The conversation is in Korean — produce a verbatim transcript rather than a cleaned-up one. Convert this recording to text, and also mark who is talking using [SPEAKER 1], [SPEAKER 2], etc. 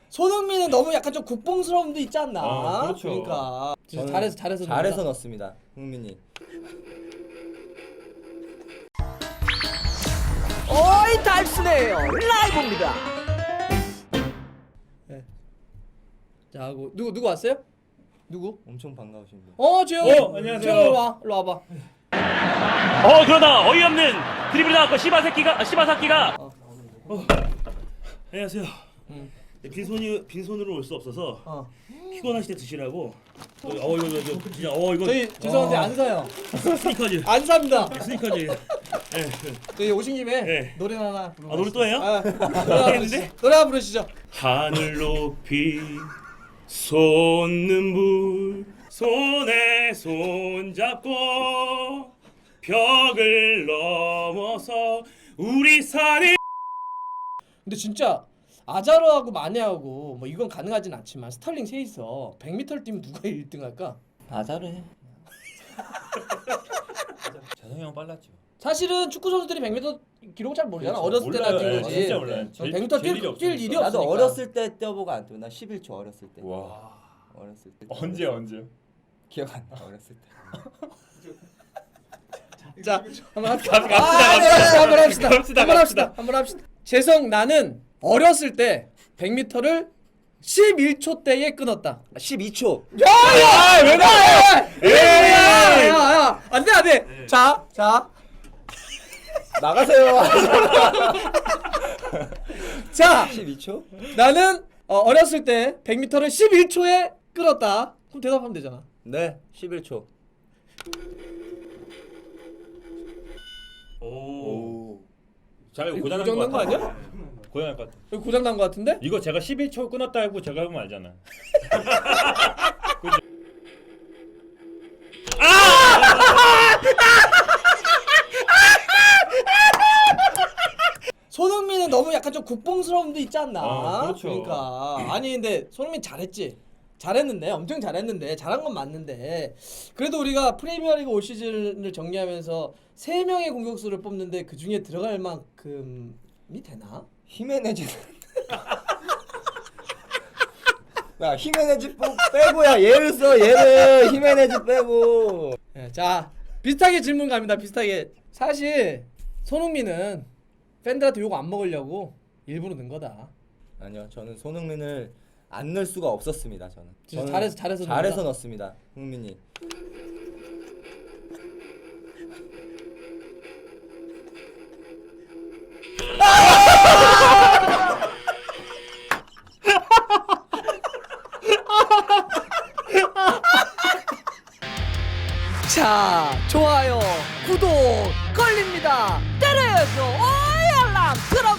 [SPEAKER 1] 손흥민은 너무 약간 좀 국뽕스러움도 있지 않나?
[SPEAKER 2] 어, 그렇죠.
[SPEAKER 1] 그러니까
[SPEAKER 3] 저는
[SPEAKER 1] 잘해서 잘해서
[SPEAKER 3] 잘해서
[SPEAKER 1] 넣는다.
[SPEAKER 3] 넣습니다. 흥민이.
[SPEAKER 4] 어이 달순해요 라이브입니다.
[SPEAKER 1] 자, 하고 누구 누구 왔어요? 누구?
[SPEAKER 3] 엄청 반가우신 분.
[SPEAKER 1] 어, 재영.
[SPEAKER 2] 어, 안녕하세요.
[SPEAKER 1] 재영 일로 와. 일로 와봐.
[SPEAKER 5] 어 그러나 어이없는 드리블이 나왔고 시바 새끼가 시바 새끼가
[SPEAKER 2] 안녕하세요.
[SPEAKER 1] 음.
[SPEAKER 2] 네, 빈손이 빈손으로 올 수 없어서
[SPEAKER 1] 어.
[SPEAKER 2] 피곤하실 때 드시라고. 어 이거 이거 이거 진짜 어 이거
[SPEAKER 1] 저희 죄송한데 안 사요.
[SPEAKER 2] 스니커즈.
[SPEAKER 1] 안 삽니다.
[SPEAKER 2] 스니커즈. 네.
[SPEAKER 1] 저희 오신 김에
[SPEAKER 2] 네.
[SPEAKER 1] 노래 하나 부르고
[SPEAKER 2] 아 노래 또 해요?
[SPEAKER 1] 아, 노래 하나 부르시죠. 노래 하나 부르시죠.
[SPEAKER 2] 하늘 높이 솟는 불 손에 손 잡고 벽을 넘어서 우리 산을.
[SPEAKER 1] 근데 진짜 아자르하고 마네하고 뭐 이건 가능하진 않지만 스털링 셋이서 백 미터를 뛰면 누가 일 등 할까?
[SPEAKER 3] 아자르 해.
[SPEAKER 6] 재성이 형 빨랐죠.
[SPEAKER 1] 사실은 축구 선수들이 백 미터 기록 잘 모르잖아.
[SPEAKER 6] 그렇죠.
[SPEAKER 1] 어렸을 때나 뛴
[SPEAKER 6] 몰라요.
[SPEAKER 1] 거지.
[SPEAKER 6] 진짜 몰라요. 제일-
[SPEAKER 1] 백 미터
[SPEAKER 6] 제일
[SPEAKER 1] 뛸,
[SPEAKER 6] 일이
[SPEAKER 1] 뛸 일이
[SPEAKER 6] 없으니까.
[SPEAKER 1] 없으니까.
[SPEAKER 3] 나도 어렸을 때 뛰어보고 안 뛰어. 나 십일 초 어렸을 때.
[SPEAKER 6] 와.
[SPEAKER 3] 어렸을 때.
[SPEAKER 6] 언제 언제?
[SPEAKER 3] 기억 안 나. 어렸을 때.
[SPEAKER 1] 자, 한번 합시다.
[SPEAKER 2] 갑시다,
[SPEAKER 1] 아,
[SPEAKER 2] 갑시다.
[SPEAKER 1] 한번 합시다.
[SPEAKER 2] 갑시다,
[SPEAKER 1] 한번 합시다. 한번 합시다. 재성 나는 어렸을 때 백 미터를 십일 초 대에 끊었다.
[SPEAKER 3] 십이 초.
[SPEAKER 1] 야야! 왜 나야? 야야야! 안돼 안돼. 자, 자.
[SPEAKER 3] 나가세요.
[SPEAKER 1] 자,
[SPEAKER 3] 십이 초?
[SPEAKER 1] 나는 어, 어렸을 때 백 미터를 십일 초에 끊었다. 그럼 대답하면 되잖아.
[SPEAKER 3] 네, 십일 초.
[SPEAKER 2] 오.
[SPEAKER 6] 오. 제가 이거
[SPEAKER 1] 이거
[SPEAKER 6] 고장
[SPEAKER 1] 고장
[SPEAKER 6] 난거
[SPEAKER 1] 난거
[SPEAKER 6] 같아.
[SPEAKER 1] 아니야?
[SPEAKER 6] 고장 날것 같아.
[SPEAKER 1] 이거 고장 난 거 같은데?
[SPEAKER 6] 이거 제가 십일 초 끊었다 하고 제가 해보면 알잖아.
[SPEAKER 1] 손흥민은 너무 약간 좀 국뽕스러움도 있지 않나?
[SPEAKER 6] 어, 그렇죠.
[SPEAKER 1] 그러니까 아니 근데 손흥민 잘했지. 잘했는데 엄청 잘했는데 잘한 건 맞는데 그래도 우리가 프리미어리그 올 시즌을 정리하면서 세 명의 공격수를 뽑는데 그 중에 들어갈 만큼이 되나?
[SPEAKER 3] 히메네즈. 야, 히메네즈 뽑- 빼고야. 얘를 써. 얘를 히메네즈 빼고.
[SPEAKER 1] 네, 자 비슷하게 질문 갑니다. 비슷하게 사실 손흥민은 팬들한테 욕 안 먹으려고 일부러 넣은 거다.
[SPEAKER 3] 아니요. 저는 손흥민을 안 넣을 수가 없었습니다. 저는.
[SPEAKER 1] 진짜
[SPEAKER 3] 저는
[SPEAKER 1] 잘해서- 잘해서
[SPEAKER 3] 잘해서
[SPEAKER 1] 넣는다?
[SPEAKER 3] 넣습니다. 흥민이.
[SPEAKER 4] 자 좋아요 구독 걸립니다. 때려야죠. 어이 알람 들어.